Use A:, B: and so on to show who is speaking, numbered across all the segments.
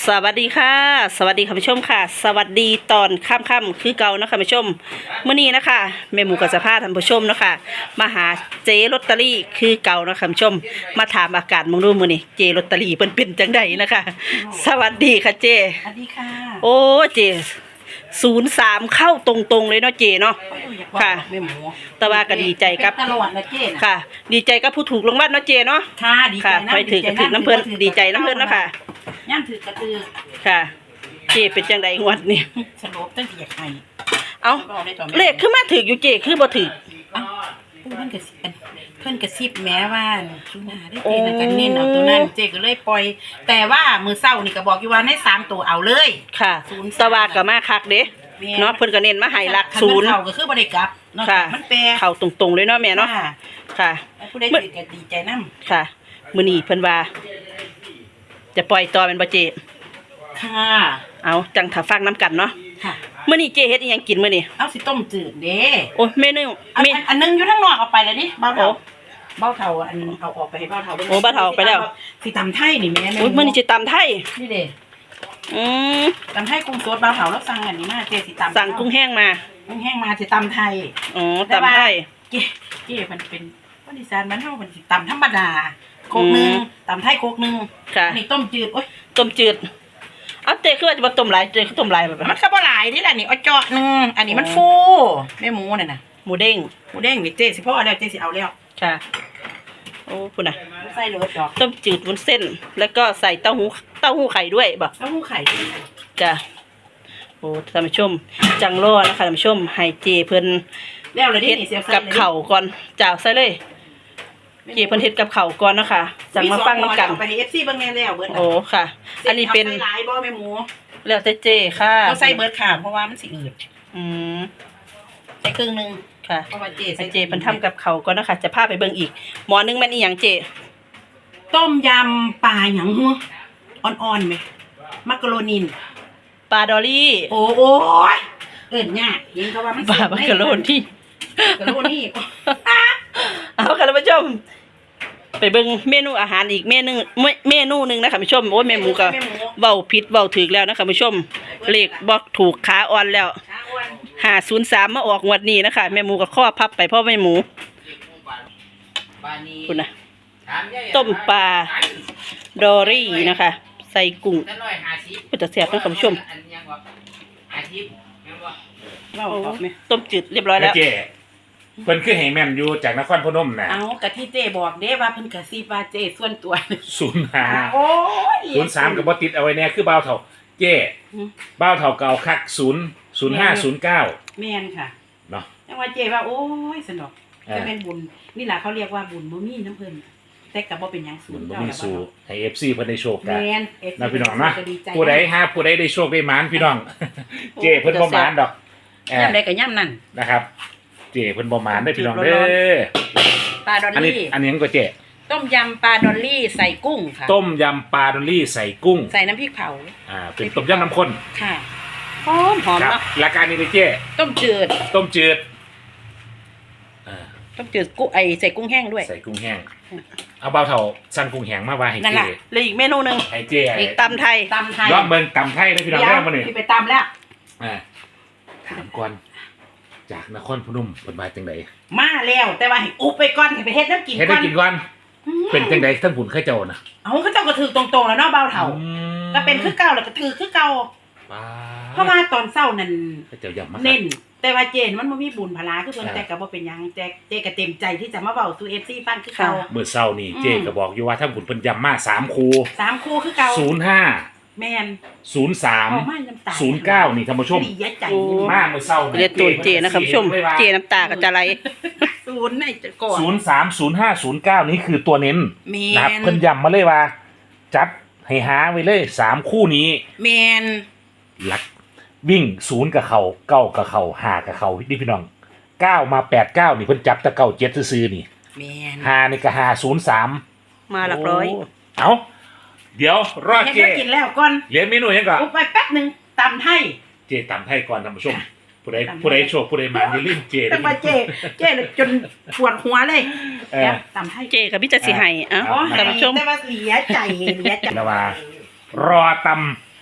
A: สวัสดีค่ะสวัสดีค่ะผู้ชมค่ะสวัสดีตอนค่ำคือเก่านะคะผู้ชมเมื่อนี้นะคะแม่หมูกับสภาท่านผู้ชมนะคะมาหาเจลอตเตอรี่คือเก่านะคะผู้ชมมาถามอาการมองดูมื้อนี้เจลอตเตอรี่เป็นจังใดนะคะสวัสดีค่ะเจ
B: สวัสดีค่ะ
A: โอ้เจ03เข้าตรงๆเลยเนาะเจเนาะค่ะ
B: แม่หมู
A: แต่ว่าก็ดีใจกับ
B: ตลอดนะเจ๊
A: ค่ะดีใจกับผู้ถูกรางวัลเนาะเจเนาะ
B: ค่ะดีใจนะ
A: ไปถือกระถือน้ำเพิ่นดีใจน้ำเพิ่นเนาะค่ะ
B: ย่างถือกระตือ
A: ค่ะเจเป็นจังใดงวดนี้
B: สลบตั้งแต่อยากให้
A: เอาเลขขึ้นมาถืออยู่เจคือบ่ถือ
B: เพื่อนกระซิบแม้ว่าชุนาได้เจ๊นะกันเน้นเอาตัวนั้นเจ๊ก็เลยปล่อยแต่ว่ามือเศร้านี่ก็บอกอยู่ว่าใน3ตัวเอาเลย
A: ค่ะสวากก็มาคักเด้เนาะเพิ่นก็เน้นมาให้หลัก0
B: เขาก็คือบ่ได้กลับเนาะมันแปร
A: เข้าตรงๆเลยเนาะแม่เนาะค่ะ
B: ผู้ใดถือก็ดีใจนำ
A: ค่ะมื้อนี้เพิ่นว่าจะปล่อยต่อเป็นบ่เจ
B: ค่ะ
A: เอาจังถ้าฟังน้ำกันเนาะ
B: ค่ะ
A: มื้อนี้เจเฮ็ดอีหยังกินมื้อนี้
B: เอาสิต้มจืดเด้
A: โอ้เมนู
B: อันนึงอยู่ข้างนอกเอาไปแล้วดิเบาเฒ่าอันเอาออกไปให้เบาเฒ่า
A: โอ้เบาเฒ่าไปแล้ว
B: สิตำไทยนี่แม่
A: โอ้มื้อนี้สิตำไทย
B: นี่เด้ตำไทยกุ้งสดเบาเฒ่าแล้วสั่งอันนี้มาเจสิตำ
A: สั่งกุ้งแห้งมา
B: กุ้งแห้งมาสิตำไทย
A: อ๋อตำไทย
B: เก๋มันเป็นวันอีสานบ้านเฮามันสิตำธรรมดาโคกนึงตำไทยโคกนึงอันนี้ต้มจืดโอ๊ย
A: ต้มจืดเอาเจคือว่าจะมาต้มหลายเจคือต้มหลายแบบ
B: มันก็บ่หลายนี่แหละนี่เอาเจาะนึงอันนี้มันฟูแม่หมูน่ะนะ
A: หมูเด้ง
B: นี่เจสิพ่อแล้วเจสิเอาแล้ว
A: ค่ะโอ้พุ่นน่ะ
B: ใส่เลยดอก
A: ต้มจืดวุ้นเส้นแล้วก็ใส่เต้าหู้ไข่ด้วยบ่
B: เต้าหู้ไข่
A: จ้ะโอ้ท่านผู้ชมจังรอนะคะท่านผู้ชมให้เจเพิ่น
B: แล้วเลยนี่เสีย
A: กับเข่าก่อนจ้าใส่เลยเจเพิ่นเฮ็ดกับเข่าก่อนนะคะจังมาฟังนำกัน
B: ไป FC เบิ่งแน่แล้วเบิด
A: โอ้ค่ะอันนี้เป็น
B: หลายบ่แม่หมู
A: แล้วแต่เจค่ะ
B: ก็ใส่เบิดค่ะเพราะว่ามันสิอืดใส่ครึ่งนึง
A: ค่ะเพราะว่าเจเพิ่นทำกับเข่าก่อนนะคะจะพาไปเบิ่งอีกหม้อนึงแม่นอีหยังเจ
B: ต้มยำปลาหยังฮู้อ่อนๆมั้ยมักกะโรนี
A: ปลาดอลลี่
B: โอ้ยเอิ้นยากเห็นเขาว่ามัน
A: ปลามักกะโรนีเอาค่ะท่านผู้ชมไปเบิ่งเมนูอาหารอีกเมนูนึงนะคะผู้ชมโอ้ยแม่หมูก็เว้าผิดเว้าถูกแล้วนะคะผู้ชมเลขบ่ถูกขาอ่อนแล้ว503มาออกงวดนี้นะคะแม่หมูก็ข้อพับไปเพราะแม่หมูคุณนะต้มปลาดอรี่นะคะใส่กุ้งก็จะแซ่บนะคุณผู้ชมต้มจืดเรียบร้อยแล้ว
C: เพิ่นคือให้แม่นอยู่จากนครพนมน่ะ
B: เอากะที่เจ้บอกเด้ว่าเพิ่นกะซิบว่าเจ้ส่วนตัว
C: 05โอ้ย03ก็บ่ติดเอาไว้แน่คือบ่าวเฒ่าเจ้บ่าวเฒ่าเก่าคัก0509
B: แม่นค่ะ
C: เนาะ
B: จังว่าเจ้ว่าโอ้ยสนุกจะเป็นบุญนี่ล่ะเขาเรียกว่าบุญบ่มีน้ำเพิ่นแต่ก็บ่เป็นหยังสูง
C: บ่มีสู้ให้ FC เพิ่นได้โชคกัน
B: แม่น
C: นะพี่น้องนะผู้ใดได้โชคได้หมานพี่น้องเจ้เพิ่นบ่หมานดอก
B: ยามใดก็ยามนั้น
C: นะครับเจ้เพิ่นบ่หมานได้พี่น้องเด้อ
B: ปลาดอลลี่
C: อันนี้ก็เจ้
B: ต้มยำปลาดอลลี่ใส่กุ้งค่ะ
C: ต้มยำปลาดอลลี่ใส่กุ้ง
B: ใส่น้ำพริกเผา
C: เป็นต้มยำน้ำข้น
B: ค่ะหอม
C: เนาะรายการนี้เลยเจ้
B: ต้มจืด
C: ต้มจืด
B: กุ้งใส่กุ้งแห้งด้วย
C: ใส่กุ้งแห้งเอาเบาเท่าสั่งกุ้งแห้งมาไว้ให้เจ้
A: เลยอีกเมนูนึง
C: ให้เจ้
A: อีกตำไทย
C: ยอดเบิ่งตำไทยได้พี่น้องแรกมานี่
B: ไปตำแล้ว
C: ถามก่อนจากนครพนมเป็นมาจังได
B: มาแล้วแต่ว่าให้อุบไปก่อนให้ไปเฮ็ดน้ำกิน
C: ก่อนเป็นจังไดท่านบุญข้าเจ้านะ
B: เขาเจ้าก็ถือตรงๆแล้วเนาะเบาเท่าก็เป็นคือเก่าแล้วก็ถือคือเก่าเพราะว่าตอนเช้านั่นเน้นแต่ว่าเจนมันบ่มีบุญพลาคือเพิ่นแต่ก็บ่เป็นหยังเจก็เต็มใจที่จะมาเว้าสู่ FC ฟังคือเก่า
C: เมื่อเช้านี่เจก็บอกอยู่ว่าท่านบุญเพิ่นย้ำมา3คู่
B: คือเก่า05
A: แม่น
C: 03 09นี่ท่านผู้ชมมาเมื่อเช้า
A: เรียกตัวเจนะครับผู้ชมเจน้ำตาก็จะไหล
B: 0ในจะก่อน
C: 03 05 09นี่คือตัวเน้นนะครับเพิ่นย้ำมาเลยว่าจัดให้หาไว้เลย3คู่นี้
B: แม่น
C: หลักวิ่ง0กับเขา9กับเขา5กับเขาพี่น้อง9มา89นี่เพิ่นจับแต่97ซื่อๆนี่
B: แม่น
C: 5นี่ก็503
A: มาหลักร้อย
C: เอ้าเดี๋ยวรอเจ
B: กินแล้วก่อน
C: เรียนเมนูยังก่อน
B: ไปแป๊บนึงตำไทย
C: เจตำไทยก่อนท่านผู้ชมผู้ใดโชคผู้ใดมาอย่าลืมเจ
B: แต่ว่าเจจนปวดหัวเลยตำไทย
A: เจกับพี่จะสิให้ท่านผู้ชม
B: แต่ว่าเสียใจ
C: แล้วว่ารอต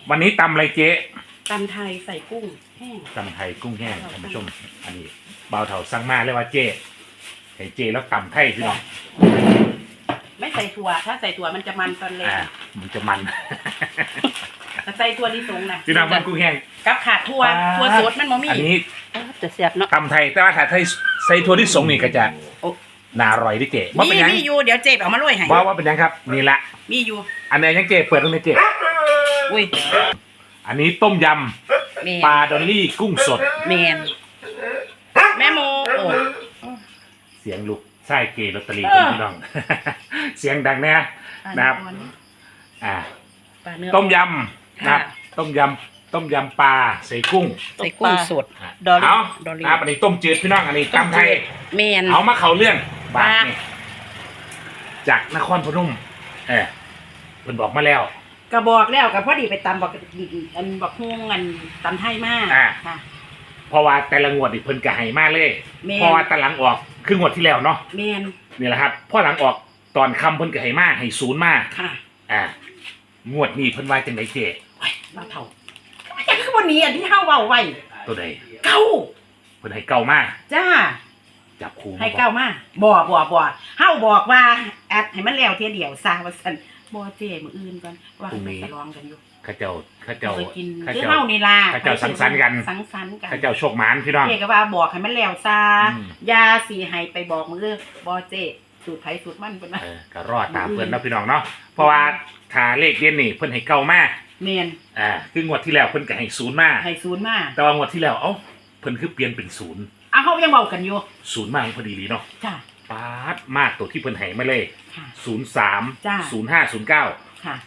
C: วันนี้ตำอะไรเจ๊
B: ตำไทยใส่กุ้งแห้ง
C: ตำไทยกุ้งแห้งท่านผู้ชม อันนี้เบาเถาสั่งมาเลยว่าเจ๊ให้เจ๊แล้วตำไทยพี่น้อง
B: ไม่ใส่ถั่วถ้าใส่ถั่วมันจะมันตอนเล็ก
C: มันจะมัน
B: แต่ใส่ถั่วลิสงนะ
C: พี่น้องมันกุ้งแห้ง
B: กับขาดถั่วสดมันบ่มี
C: อันนี้
A: จะเสียบเนาะ
C: ตำไทยแต่ว่าถ้าไทยใส่ถั่วที่สงนี่ก็จะน่าอร่อยดิเจ๊ว่าเป็นยัง
B: มีอยู่เดี๋ยวเจ็บเอามาโรยให้
C: ว่าเป็นยังครับนี่ละ
B: มีอยู่
C: อันนี้ยังเจ๊เปิดตรงนี้เจ๊
B: อุ้ย
C: อันนี้ต้มย
B: แม่
C: ำปลาดอลลี่กุ้งสด
B: แมนแม่โมโอ้
C: เสียงลูกไส้เกลอตเตอรี่
B: เออ
C: พี่น้อง เสียงดังแน่นะครับ อ่า
B: ปลาเนื้อ
C: ต้มยำนะครับ
B: ค่ะ
C: ต้มยำปลาใส่กุ้ง
B: ใส่กุ้งสด
C: อ่ะ
A: ดอลลี่
C: เอา
B: ดอลลี่
C: นะครับอันนี้ต้มจืดพี่น้องอันนี้ตำไทย
B: แมน
C: เอามาเขาเรื่องบาท
B: มา
C: นี่จากนครพนมเเพิ่นบอกมาแล้ว
B: กระบอกแล้วกับพอดีไปตำบอกอันบอกฮวงอันตำไทยมาก
C: อ่า
B: ค่ะ
C: เพราะว่าแต่ละงวดนี่เพิ่นก็ให้มาเลย
B: แม่น
C: เพราะว่าแตหลังออกคืองวดที่แล้วเนาะ
B: แมน
C: นี่แหละครับพอหลังออกตอนคำเพิ่นก็ให้มาให้ศูนย์มา
B: ค่ะ
C: งวดนี้เพิ่นว่าจังไดเจ๊
B: ไว้มาเท่าไอ้คือวันนี้อันที่เฮาเว้าไว้
C: ตัวใด
B: เก้า
C: เพิ่นให้เก่ามาก
B: จ้า
C: จับคู่
B: ให้เก้ามาบ่เฮาบอกว่าแอดให้มันแล้วเทียเดียวซาว่าซั่นบ่เจ้มื้ออื่นก่อนว่าเขาจะร้องกันอยู่
C: ข้าเจ้า
B: เคยกิน
C: ข้า
B: คือ
C: เจ้า
B: เฮานี่ล่ะ
C: ข้าเจ้าสังสรรค์กัน
B: สังสรรค์กัน
C: ข้าเจ้าโชคหมานพี่น้อง
B: เจ้ก็ว่าบอกให้มันแล้วซา
C: อืม
B: ยาสิให้ไปบอกมื้อบ่เจ้สูตรไผสูตรมันเพิ่นว่า
C: ก็รอดตามเพิ่นเนาะพี่น้องเนาะเพราะว่าถ้าเลขเด่นนี่เพิ่นให้เก่ามาก
B: แม่น
C: คืองวดที่แล้วเพิ่นก็ให้ศูนย์มา
B: ให้ศูนย์มา
C: แต่ว่างวดที่แล้วเอ้าเพิ่นคือเปลี่ยนเป็นศูนย์
B: อ่ะเฮายังเว้ากันอยู่
C: ศูนย์มาพอดีเลยเนาะ
B: จ้า
C: ปาดมากตัวที่เพิ่นให้มาเลย
B: ค่ะ
C: 03
B: จ้ะ
C: 05 09
B: ค่ะ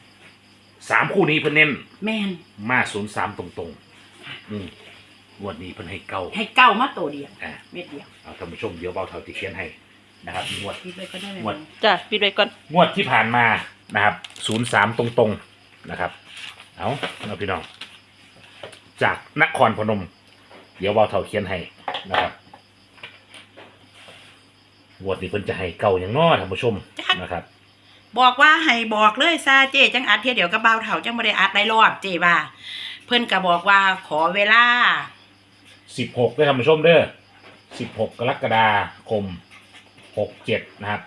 C: 3คู่นี้เพิ่นเน้น
B: แม่น
C: มา03ตรงงวดนี้เพิ่นให้เก่า
B: ให้เก้ามาตัวเดียว
C: อ่า
B: เม็ดเดียว
C: เอาท่านผู้ชมเดี๋ยวเบาเท่าที่เขียนให้นะครับงวด
B: คิดไว้ก็ได้เลย
C: หมด
A: จ้ะปิดไว้ก่อน
C: งวดที่ผ่านมานะครับ03ตรงๆนะครับเอาพี่น้องจากนครพนม เดี๋ยวเบาเท่าเขียนให้นะครับงวดนี้เพิ่นจะให้เก่าอย่างน้อท่านผู้ชมนะครับ
B: บอกว่าให้บอกเลยซาเจ้จังอัดเทียเดียวกับเบาเฒ่าจังบ่ได้อัดได้รอบเจ้ว่าเพิ่นก็บอกว่าขอเวลา
C: 16ด้วยท่านผู้ชมเด้อ16กรกฎาคม67นะครับ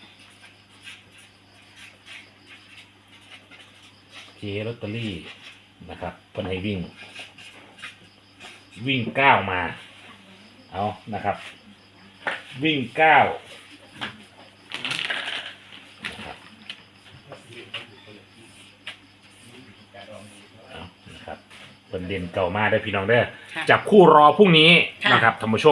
C: เจลอตเตอรี่นะครับเพิ่นให้วิ่ง9มาเอานะครับวิ่ง9นะครับเอานะครับเพิ่นเด่นเก่ามาได้อพี่น้องเด้อ
B: ค่ะ
C: จับคู่รอพรุ่งนี้
B: ค่ะ
C: นะครับท่านผู้ชม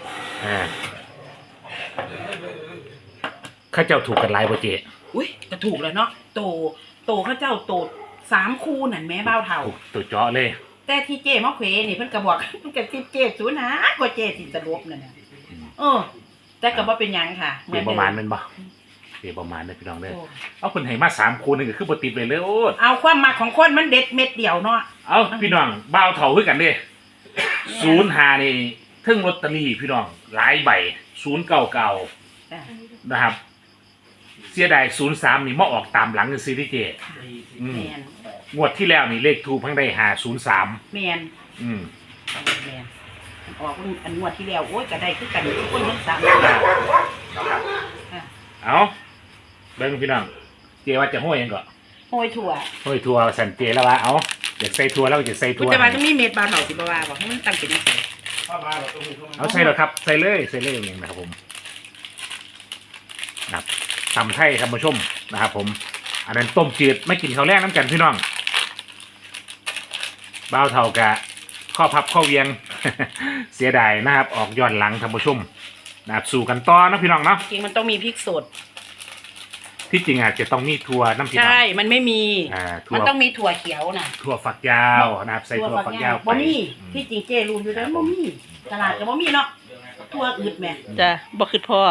C: ข้าเจ้าถูกกันหลายบ่เจ
B: อุ้ยก็ถูกแล้วเนาะโตเขาเจ้าโต3คู่นั่นแม่เบาเฒ่า
C: ถูกตัวเจาะเลย
B: แต่ที่เจ้มาเขวนี่เพิ่นก็บอก มันก็สิเจ้ศูนย์หากว่าเจ้สิสรุปนั่นน่ะแต่ก็บ่เป็นหยังค่ะ
C: เปลี่ยนประมาณนั้นบ่เปลี่ยนประมาณนั้นพี่น้องเด้อ
B: โอ้
C: เอาคนให้มา3คู่นึงก็คือบ่ติดเลยเลยโอ้
B: เอาความมักของคนมันเด็ดเม็ดเดียวเนาะ
C: เอาพี่น้องบ่าวเฒ่าคือกันเด้05นี่เทึ่งลอตเตอรี่พี่น้องหลายใบ099
B: จ้ะ
C: นะครับ เสียดาย03นี่มาออกตามหลังจังซี่เด้เจอืม
B: แม่น
C: งวดที่แล้วนี่เลขทูปเพิ่งได้503
B: แม่น
C: อืม
B: แม่นออกอันงวดที่แล้วโอ้ยก็ได้คือกันทุกคนทั้ง3 ค่ะ
C: เอาเบิ่งพี่น้องเจว่าจะห้อยหยังก็
B: โหยถั่ว
C: ห้อยทัวสันเจแล้วว่าเอาอยากใส่ทัวแล้วก็จะใส่
B: คุ
C: ทั
B: ณ
C: ว
B: จะมาต้องมีเม็ดบาเถาสิบว่าบอกให้มันตั้งเป็นจังซี่
C: เอาใส่แล้วครับใส่เลยอย่างนี้นะครับผมนะครับตำไทยครับผู้ชมนะครับผม อันนั้นต้มจืดไม่กินข้าวแรกน้ำกันพี่น้องบ้าวเท่ากะข้อพับข้อเวียง เสียดายนะครับ ออกย้อนหลังท่านผู้ชมนะครับสู่กันต่อนะพี่น้องเนาะ
B: จริงมันต้องมีพริกสด
C: ที่จริงอาจจะต้องมีทัวน้ำพี่น้อง
B: ใช่มันไม่มี
C: ทั
B: มัน
C: ว
B: ต้องมีถั่วเขียวน่ะ
C: ถั่วฝักยาวนะครับใส่ถั่วฝักยาวไป
B: บ่มี
C: อืม
B: ที่จริงเจรูนอยู่แล้วบ่มีตลาดก็บ่มีเนาะถั่วอืดแม่
A: จ้ะบ่คือพ่อ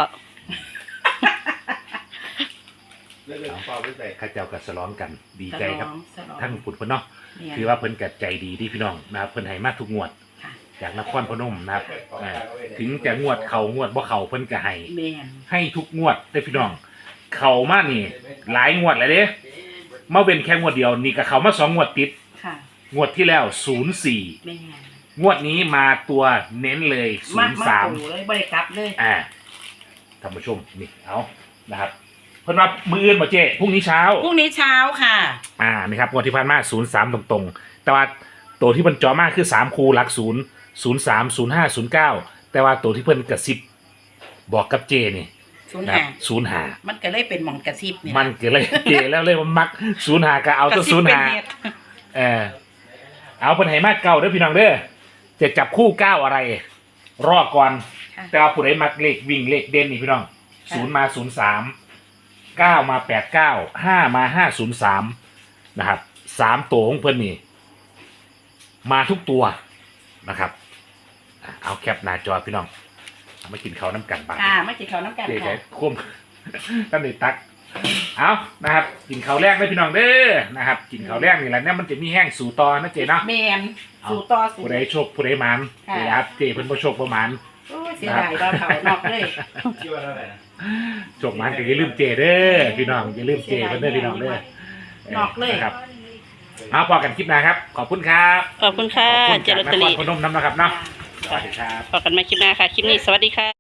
C: ข้าเจ้ากับสล้องกันดีใจครับ
B: สลอง
C: ทั้งปุ่นเพิ่นเนาะ
B: เนี่ย
C: คือว่าเพิ่นกัใจดีที่พี่น้องนะครับเพิ่นให้มาทุกงวด
B: ค่ะ
C: จากนครพนมนะครับถึงจะงวดเขางวดบ่เขาเพิ่นก็ให้
B: แม่น
C: ให้ทุกงวดได้อพี่น้อง เขามานี่ หลายงวดแล้วเด้มาเป็นแค่งวดเดียวนี่ก็เขามา2 งวดติด
B: ค่ะ
C: งวดที่แล้ว04
B: แม่
C: งวดนี้มาตัวเน้นเลย
B: มาปู
C: 03
B: เลยบ่ได้กลับเลย
C: ท่านผู้ชมนี่เอานะครับเพิ่นว่ามืออื่นบ่เจ้พรุ่งนี้เช้า
B: พรุ่งนี้เช้าค่ะ
C: นี่ครับงวดที่ผ่านมา03ตรงๆแต่ว่าตัวที่เพิ่นจ่อมากคือ3คูหลัก0 03 05 09แต่ว่าตัวที่เพิ่นกระซิบบอกกับเจนี่
B: 05
C: 05
B: มันก็เลยเป็นหม่องกระซิบนี่
C: มันก็เลยเจแล้วเลยมันมัก05ก็เอาตัว
B: กระซิบเป็น
C: 05
B: เฮ็ด
C: เอาเพิ่นให้มาเก่าเด้อพี่น้องเด้อจะจับคู่9อะไร รอก่อน
B: ค่ะ
C: แต่ว่าผู้ใดมักเลขวิ่งเลขเด่นนี่พี่น้อง
B: ค่ะ
C: 0มา03 9มา89 5มา503นะครับ3ตัวของเพิ่นนี่มาทุกตัวนะครับเอาแคปหน้าจอพี่น้องเอามากินข้าวน้ำกันบ้าง
B: ค่ะมากินข้าวน้ำกัน
C: เจ๊ใช้
B: ค่ะ
C: คุ้ม ตั้งแต่ตักเอานะครับกินข้าวแรกเลยพี่น้องเด้อนะครับกินข้าวแรกนี่แหละเนี่ยมันจะมีแห้งสู่ตอนะเจ๊เนาะ
B: แมนสู่ต่อสู่
C: ผู้ใดโชคผู้ใดหมัน
B: ค่ะ
C: นะครับเจ๊เพิ่นบ่โชคบ่หมัน
B: โอ้ยเสียดายเราเผานอกเลย
C: โชคหมันก็อย่าลืมเจ๊เด้อพี่น้องอย่าลืมเจ๊เพิ่นเด้อพี่น้องเด้อน
B: อกเลย
C: นะครับเอาพอกันคลิปหน้าครับ ขอบคุณครับ
A: ขอบคุณค่ะ
C: ขอบคุณ
A: เจ
C: จาก
A: ลอต
C: น
A: เตอ
C: คร
A: รี่
C: พนมน้ำนะครับเนาะสวัสดีครับ
A: พบกันใหม่คลิปหน้าค่ะ คลิปนี้สวัสดีค่ะ